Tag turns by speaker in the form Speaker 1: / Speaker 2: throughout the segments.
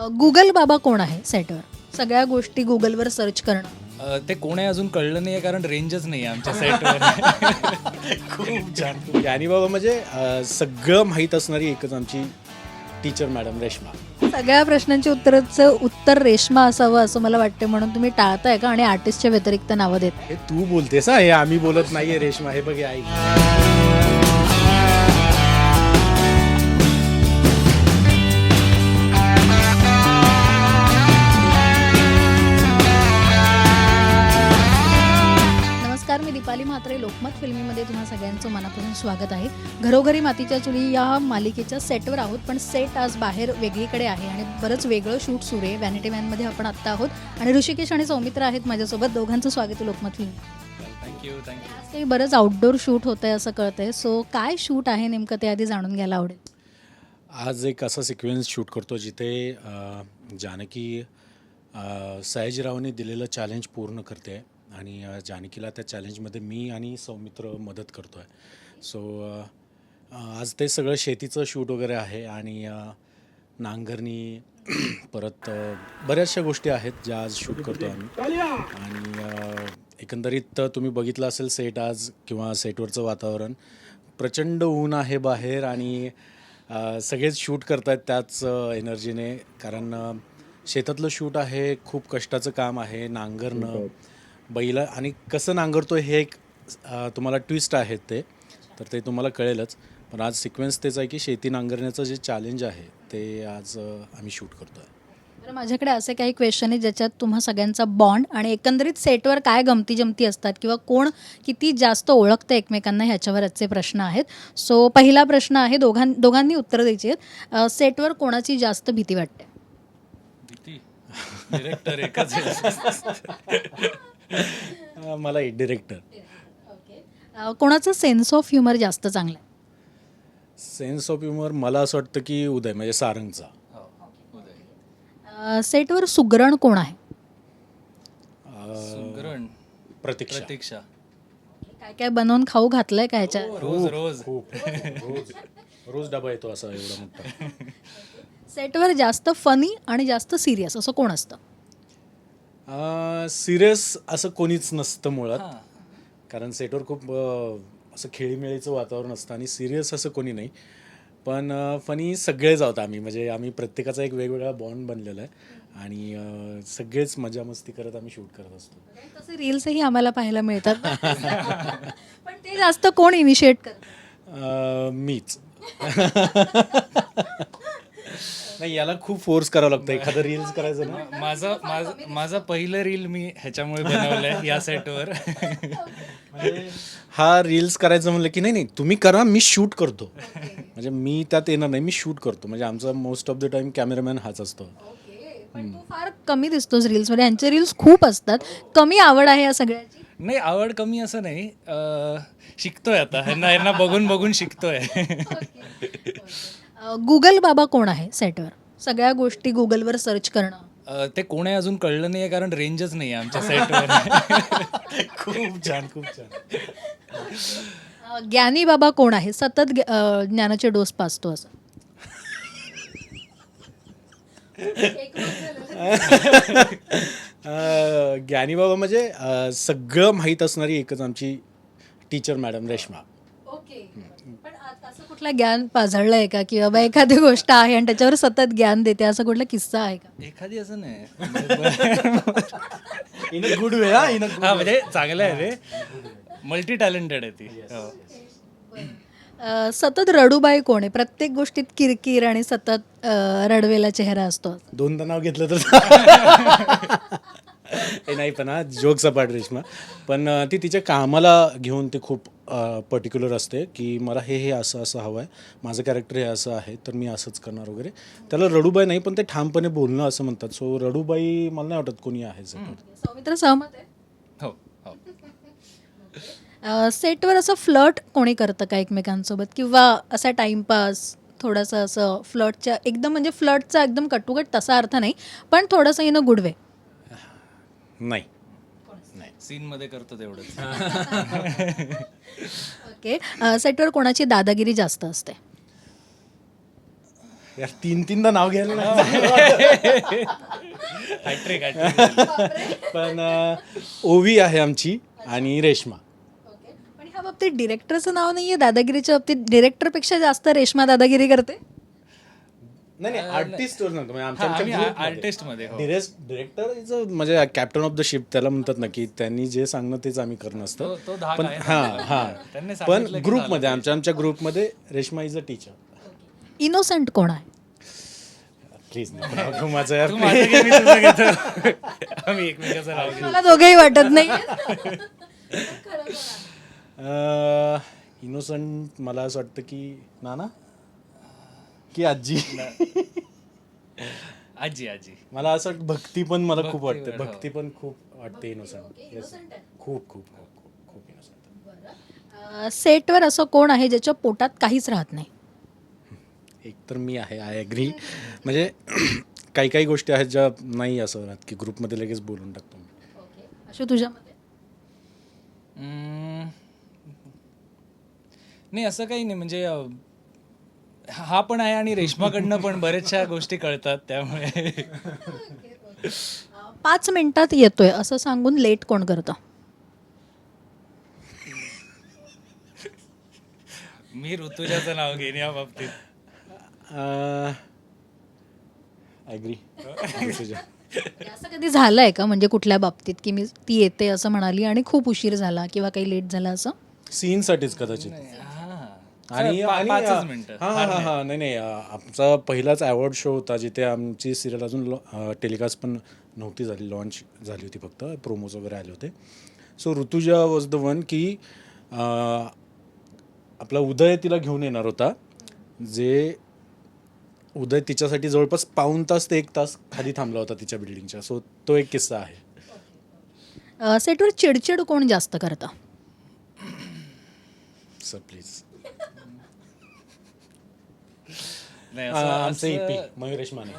Speaker 1: Google बाबा कोण आहे सेटवर? सगळ्या गोष्टी गुगलवर सर्च करणं.
Speaker 2: ते कोण आहे अजून कळलं नाही आहे, कारण रेंजच नाही आहे आमच्या सेटवर.
Speaker 3: खूप छान खूप ज्ञानी बाबा म्हणजे सगळं माहीत असणारी एकच आमची टीचर मॅडम रेश्मा.
Speaker 1: सगळ्या प्रश्नांची उत्तर रेश्मा असावं असं मला वाटते, म्हणून तुम्ही टाळताय का आणि आर्टिस्टच्या व्यतिरिक्त नावं देत?
Speaker 3: हे तू बोलतेस हा, हे आम्ही बोलत नाहीये रेश्मा. हे बघ हे आई.
Speaker 1: नमस्कार, मी दीपाली म्हात्रे. लोकमत फिल्मीमध्ये तुम्हा सगळ्यांचं मनापासून स्वागत आहे. घरोघरी मातीच्या चुली या मालिकेच्या सेटवर आहोत, पण सेट आज बाहेर वेगळीकडे आहे आणि बरंच वेगळं शूट सुरू आहे. व्हॅनिटी मॅनमध्ये आपण आत्ता आहोत आणि ऋषिकेश आणि सौमित्र आहेत माझ्यासोबत. दोघांचं स्वागत आहे लोकमत फिल्म.
Speaker 2: थँक्यू.
Speaker 1: आज काही बरंच आउटडोर शूट होतं आहे असं कळतंय. सो काय शूट आहे नेमकं ते आधी जाणून घ्यायला आवडेल.
Speaker 3: आज एक असा सिक्वेन्स शूट करतो जिथे जानकी सयाजीरावने दिलेलं चॅलेंज पूर्ण करते आणि जानकीला त्या चॅलेंजमध्ये मी आणि सौमित्र मदत करतो आहे. सो आज ते सगळं शेतीचं शूट वगैरे आहे आणि नांगरणी परत बऱ्याचशा गोष्टी आहेत ज्या आज शूट करतो आम्ही. आणि एकंदरीत तुम्ही बघितलं असेल सेट आज किंवा सेटवरचं वातावरण. प्रचंड ऊन आहे बाहेर आणि सगळेच शूट करत आहेत त्याच एनर्जीने, कारण शेतातलं शूट आहे. खूप कष्टाचं काम आहे. नांगरणं, बैला आणि कसं नांगरतो हे एक तुम्हाला ट्विस्ट आहेत तर ते तुम्हाला कळेलच. पण आज सिक्वेन्स तेच आहे की शेती नांगरण्याचं जे चॅलेंज आहे ते आज आम्ही शूट करतो आहे.
Speaker 1: तर माझ्याकडे असे काही क्वेश्चन आहे ज्याच्यात तुम्हा सगळ्यांचा बॉन्ड आणि एकंदरीत सेटवर काय गमती जमती असतात किंवा कोण किती जास्त ओळखतं एकमेकांना ह्याच्यावर आजचे प्रश्न आहेत. सो पहिला प्रश्न आहे, दोघांनी उत्तरं द्यायची आहेत. सेटवर कोणाची जास्त भीती वाटते?
Speaker 2: डिरेक्टर एकच आहे.
Speaker 3: मला डिरेक्टर.
Speaker 1: कोणाचं सेन्स ऑफ ह्युमर जास्त चांगलं आहे?
Speaker 3: सेन्स ऑफ ह्युमर मला असं वाटतं की उदय म्हणजे सारंगचा.
Speaker 1: सेटवर सुगरण कोण आहे?
Speaker 2: सुगरण
Speaker 3: प्रतीक्षा.
Speaker 1: काय काय बनवून खाऊ घातलंय का ह्याच्या?
Speaker 2: रोज
Speaker 3: खूप रोज डबा येतो असा एवढा मोठा.
Speaker 1: सेटवर जास्त फनी आणि जास्त सिरियस असं कोण असतं?
Speaker 3: सिरियस असं कोणीच नसतं मुळात, कारण सेटवर खूप असं खेळीमेळीचं वातावरण असतं आणि सिरियस असं कोणी नाही. पण फनी सगळेच आहोत आम्ही, म्हणजे आम्ही प्रत्येकाचा एक वेगवेगळा बॉन्ड बनलेला आहे आणि सगळेच मजा मस्ती करत आम्ही शूट करत असतो.
Speaker 1: तसे रील्सही आम्हाला पाहायला मिळतात. पण ते जास्त कोण इनिशिएट करतं?
Speaker 3: मीच. नाही, याला खूप फोर्स करावं लागतं एखादं रील्स करायचं ना.
Speaker 2: माझं पहिलं रील मी ह्याच्यामुळे बनवलंय या सेटवर.
Speaker 3: हा रील्स करायचं म्हणलं की नाही तुम्ही करा, मी शूट करतो. म्हणजे मी त्यात येणार नाही, मी शूट करतो. म्हणजे आमचा most of the time cameraman हाच असतो.
Speaker 1: पण तू फार कमी दिसतोस रील्समध्ये. यांचे रील्स खूप असतात. कमी आवड आहे या सगळ्याची?
Speaker 2: नाही, आवड कमी असं नाही, शिकतोय आता. ह्यांना बघून बघून शिकतोय.
Speaker 1: गुगल बाबा कोण आहे सेटवर? सगळ्या गोष्टी गुगलवर सर्च करणं.
Speaker 2: ते कोण आहे अजून कळलं नाही आहे, कारण रेंजच नाही आहे आमच्या सेटवर.
Speaker 3: खूप छान खूप छान.
Speaker 1: ज्ञानी बाबा कोण आहे? सतत ज्ञानाचे डोस पाचतो असं.
Speaker 3: ज्ञानी बाबा म्हणजे सगळं माहीत असणारी एकच आमची टीचर मॅडम रेश्मा.
Speaker 1: पण असं कुठलं ज्ञान पाझळलंय का की बाबा एखादी गोष्ट आहे आणि त्याच्यावर सतत ज्ञान देते, असा कुठला किस्सा आहे का?
Speaker 2: एखादी असं नाही.
Speaker 3: In a good way.
Speaker 2: हा, म्हणजे चांगलं आहे रे, मल्टी टॅलेंटेड आहे ती.
Speaker 1: सतत रडूबाई कोण आहे? प्रत्येक गोष्टीत किरकिर आणि सतत रडवेला चेहरा असतो.
Speaker 3: दोनदा नाव घेतलं तर हे नाही, पण हा जोक सपाट रेश्मा. पण ती तिच्या कामाला घेऊन ती खूप पर्टिक्युलर असते की मला हे असं असं हवं आहे, माझं कॅरेक्टर हे असं आहे तर मी असंच करणार वगैरे. त्याला रडूबाई नाही, पण ते ठामपणे बोलणं असं म्हणतात. सो रडूबाई मला नाही वाटत कोणी आहे.
Speaker 1: सौमित्र सहमत आहे?
Speaker 2: हो.
Speaker 1: सेटवर असं फ्लर्ट कोणी करतं का एकमेकांसोबत, किंवा असा टाइमपास थोडंसं असं फ्लर्टच्या एकदम, म्हणजे फ्लर्टचा एकदम कटुकट तसा अर्थ नाही, पण थोडंसं इन अ गुड वे?
Speaker 3: नाही.
Speaker 2: सीनमध्ये करतो तेवढंच.
Speaker 1: ओके. सेटवर कोणाची दादागिरी जास्त असते?
Speaker 3: यार 3-3दा नाव घ्यायला नाही.
Speaker 2: हॅट्रिक
Speaker 3: पण ओवी आहे आमची आणि रेश्मा.
Speaker 1: पण ह्या बाबतीत डिरेक्टरचं नाव नाहीये, दादागिरीच्या बाबतीत डिरेक्टरपेक्षा जास्त रेश्मा दादागिरी करते.
Speaker 3: नाही आर्टिस्टवर नव्हतं म्हणजे आमच्या
Speaker 2: आर्टिस्ट मध्ये हो.
Speaker 3: डिरेक्टर इज म्हणजे कॅप्टन ऑफ द शिप त्याला म्हणतात ना, की त्यांनी जे सांगणं तेच आम्ही करणं असतं.
Speaker 2: तो धाक
Speaker 3: पण
Speaker 2: आहे त्यांनी
Speaker 3: हां पण
Speaker 2: सांगितलं की
Speaker 3: ग्रुपमध्ये आमच्या ग्रुपमध्ये Reshma is a teacher.
Speaker 1: Innocent कोण आहे?
Speaker 3: प्लीज नाही माझं यार.
Speaker 2: तू माझं घे, मी तुझं घेतो. आम्ही एकमेकाचं नाव घेऊ.
Speaker 1: मला दोघेही वाटत नाही.
Speaker 3: इनोसंट मला असं वाटतं की नाना की आजी.
Speaker 2: आजी आजी
Speaker 3: मला असं वाटतं भक्ती पण मला खूप वाटते.
Speaker 2: भक्तीवर, हो.
Speaker 3: भक्ती पण खूप वाटते इनोसंट. खूप खूप खूप खूप इनोसंट.
Speaker 1: सेटवर असं कोण आहे ज्याच्या पोटात काहीच राहत नाही?
Speaker 3: एक तर मी आहे, आय ॲग्री. म्हणजे काही काही गोष्टी आहेत ज्या नाही असं राहत की ग्रुपमध्ये लगेच बोलून टाकतो मी.
Speaker 1: अशा तुझ्यामध्ये?
Speaker 2: नाही असं काही नाही म्हणजे हा पण आहे आणि रेश्माकडनं पण बऱ्याचशा गोष्टी कळतात त्यामुळे.
Speaker 1: 5 मिनिटात येतोय असं सांगून लेट कोण करतं?
Speaker 2: मी ऋतुजाचं नाव घेईन या बाबतीत.
Speaker 3: ॲग्री.
Speaker 1: असं कधी झालंय का म्हणजे कुठल्या बाबतीत की मी ती येते असं म्हणाली आणि खूप उशीर झाला किंवा काही लेट झाला असं?
Speaker 3: सीनसाठीच कदाचित.
Speaker 2: हां.
Speaker 3: आणि
Speaker 2: पाचच मिनिटं.
Speaker 3: हां नाही आमचा पहिलाच अवॉर्ड शो होता जिथे आमची सिरियल अजून टेलिकास्ट पण नव्हती झाली, लॉन्च झाली होती, फक्त प्रोमोज वगैरे आले होते. So Rutuja was the one की आपला उदय तिला घेऊन येणार होता, जे उदय तिच्यासाठी जवळपास पाऊण तास ते 1 तास खाली थांबला होता तिच्या बिल्डिंगच्या. सो तो एक किस्सा आहे.
Speaker 1: सेटवर चिडचिड कोण जास्त करतं?
Speaker 3: Sir please.
Speaker 2: नाही
Speaker 3: आमचे ईपी मयुरेश माने.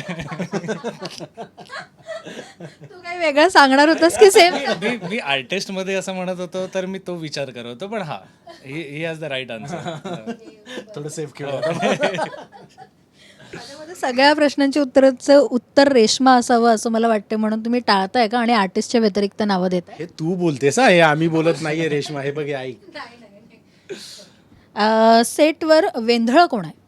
Speaker 1: तू काही वेगळं सांगणार होतास की सेम?
Speaker 2: मी आर्टिस्ट मध्ये असं म्हणत होतो तर मी तो विचार करत होतो, पण हा he has the right answer.
Speaker 3: थोडं सेफ केलं.
Speaker 1: माझ्यामध्ये सगळ्या प्रश्नांची उत्तर रेश्मा असावं असं मला वाटतं, म्हणून तुम्ही टाळताय का आणि आर्टिस्टच्या व्यतिरिक्त नावं देताय?
Speaker 3: हे तू बोलतेस हे आम्ही बोलत नाहीये रेश्मा. हे बघ हे ऐक.
Speaker 1: सेटवर वेंधळं कोण आहे?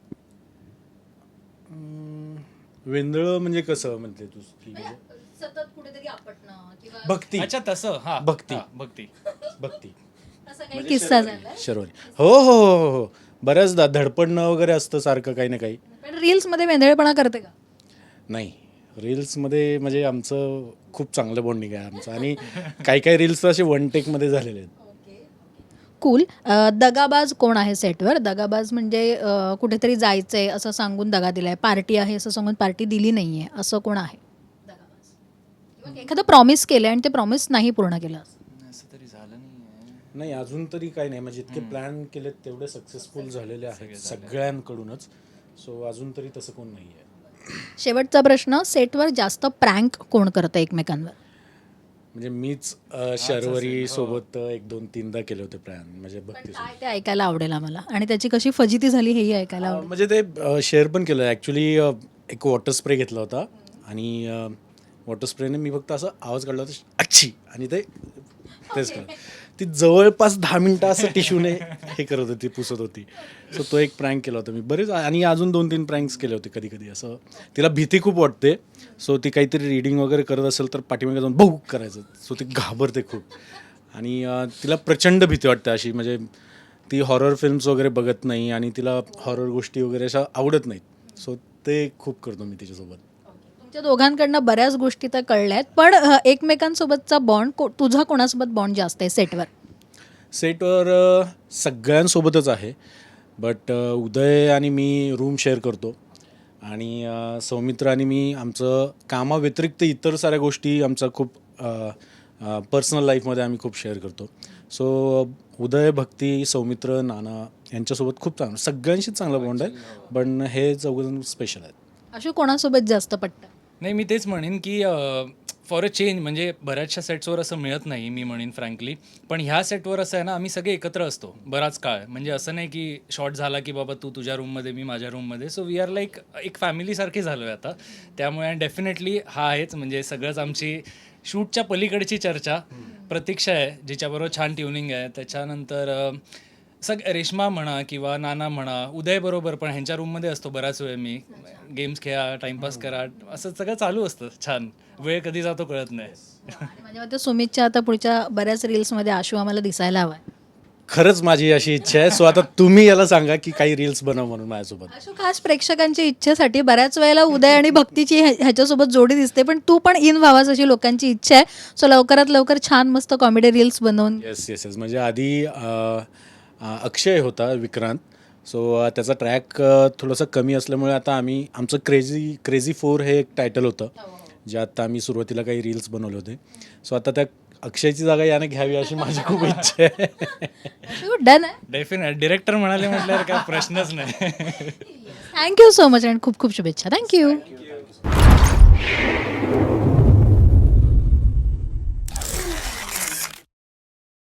Speaker 3: वेंदळ म्हणजे कसं म्हणते तू?
Speaker 1: सतत कुठेतरी आपटणं किंवा
Speaker 3: भक्ती.
Speaker 2: अच्छा तसं हा
Speaker 3: भक्ती.
Speaker 2: भक्ती.
Speaker 3: भक्ती
Speaker 1: असा काही किस्सा झाला?
Speaker 3: शर्वरी. हो बऱ्याचदा धडपडणं वगैरे असतं सारखं काही ना काही.
Speaker 1: पण रील्स मध्ये वेंधळेपणा करते का?
Speaker 3: नाही रील्समध्ये म्हणजे आमचं खूप चांगलं बॉन्डिंग आहे आमचं. आणि काही रील्स तर असे 1 टेकमध्ये झालेले आहेत.
Speaker 1: कूल. दगाबाज कोण आहे सेटवर? दगाबाज म्हणजे कुठेतरी जायचंय असं सांगून दगा दिलाय, पार्टी आहे असं सांगून पार्टी दिली नाहीये, असं कोण आहे दगाबाज? किंवा एखादं प्रॉमिस केलंय आणि ते प्रॉमिस नाही पूर्ण केलं
Speaker 2: असं तरी झालं नाही.
Speaker 3: नाही अजून तरी काही नाही. म्हणजे इतके प्लॅन केलेत तेवढे सक्सेसफुल झालेले आहेत सगळ्यांकडूनच. सो अजून तरी तसं कोण नाही आहे.
Speaker 1: शेवटचा प्रश्न, सेटवर जास्त प्रँक कोण करतं एकमेकांवर?
Speaker 3: म्हणजे मीच शर्वरी सोबत 1-2-3दा केले होते प्लॅन. म्हणजे भक्ती
Speaker 1: काय ते ऐकायला आवडेल आम्हाला, आणि त्याची कशी फजिती झाली हेही ऐकायला आवडेल.
Speaker 3: म्हणजे ते शेअर पण केलं ॲक्च्युली. एक वॉटर स्प्रे घेतला होता आणि वॉटर स्प्रेने मी फक्त असं आवाज काढला होता अच्छी, आणि तेच केलं. ती जवळपास 10 मिनटं असं टिश्यूने हे करत होती, पुसत होती. सो तो एक प्रँक केला होता मी. बरेच आणि अजून 2-3 प्रँक्स केले होते. कधी असं तिला भीती खूप वाटते. सो ती काहीतरी रीडिंग वगैरे करत असेल तर पाठीमागे जाऊन भाऊ करायचं. सो ती घाबरते खूप आणि तिला प्रचंड भीती वाटते अशी. म्हणजे ती हॉरर फिल्म्स वगैरे बघत नाही आणि तिला हॉरर गोष्टी वगैरे अशा आवडत नाहीत. सो ते खूप करतो मी तिच्यासोबत.
Speaker 1: तुमच्या दोघांकडनं बऱ्याच गोष्टी तर कळल्या आहेत, पण एकमेकांसोबतचा बॉन्ड, तुझा कोणासोबत बॉन्ड जास्त आहे सेटवर?
Speaker 3: सेटवर सगळ्यांसोबतच आहे. बट उदय आणि मी रूम शेअर करतो आणि सौमित्र आणि मी आमचं कामाव्यतिरिक्त इतर साऱ्या गोष्टी आमचा खूप पर्सनल लाईफमध्ये आम्ही खूप शेअर करतो. सो उदय, भक्ती, सौमित्र, नाना यांच्यासोबत खूप चांगलं, सगळ्यांशीच चांगला बॉन्ड आहे. पण हे चौघजण स्पेशल आहेत.
Speaker 1: अशा कोणासोबत जास्त पटतं?
Speaker 2: नाही मी तेच म्हणेन की फॉर अ चेंज म्हणजे बऱ्याचशा सेट्सवर असं मिळत नाही मी म्हणेन फ्रँकली, पण ह्या सेटवर असं आहे ना, आम्ही सगळे एकत्र असतो बराच काळ. म्हणजे असं नाही की शॉट झाला की बाबा तू तुझ्या रूममध्ये मी माझ्या रूममध्ये, सो वी आर लाईक एक फॅमिलीसारखे झालो आहे आता. त्यामुळे डेफिनेटली हा आहेच म्हणजे सगळंच आमची शूटच्या पलीकडची चर्चा. प्रतीक्षा आहे जिच्याबरोबर छान ट्युनिंग आहे. त्याच्यानंतर रेश्मा म्हणा किंवा नाना म्हणा, उदय बरोबर पण ह्यांच्या रूममध्ये असतो बराच वेळ मी. गेम्स खेळा, टाइमपास करा, असं सगळं चालू असतं छान. वेळ कधी जातो कळत नाही.
Speaker 1: आणि माझ्या मते सुमितच्या आता पुढच्या बऱ्याच रील्समध्ये आशू आम्हाला दिसायला हवा आहे.
Speaker 3: खरंच माझी अशी इच्छा आहे. सो आता तुम्ही याला सांगा की काही रील्स बनव म्हणून माझ्यासोबत.
Speaker 1: आशू खास प्रेक्षकांच्या इच्छेसाठी बऱ्याच वेळेला उदय आणि भक्तीची ह्याच्यासोबत जोडी दिसते, पण तू पण इन व्हावास अशी लोकांची इच्छा आहे. सो लवकरात लवकर छान मस्त कॉमेडी रील्स बनवून.
Speaker 3: Yes yes yes. म्हणजे आधी अक्षय होता विक्रांत. सो त्याचा ट्रॅक थोडंसं कमी असल्यामुळे आता आम्ही आमचं क्रेझी 4 हे एक टायटल होतं, जे आता आम्ही सुरुवातीला काही रील्स बनवले होते. सो आता त्या अक्षयची जागा याने घ्यावी अशी माझी खूप इच्छा आहे.
Speaker 1: आशू डन आहे.
Speaker 2: डेफिनेट डिरेक्टर म्हणाले म्हटल्यावर काय प्रश्नच नाही.
Speaker 1: थँक्यू सो मच आणि खूप खूप शुभेच्छा. थँक्यू.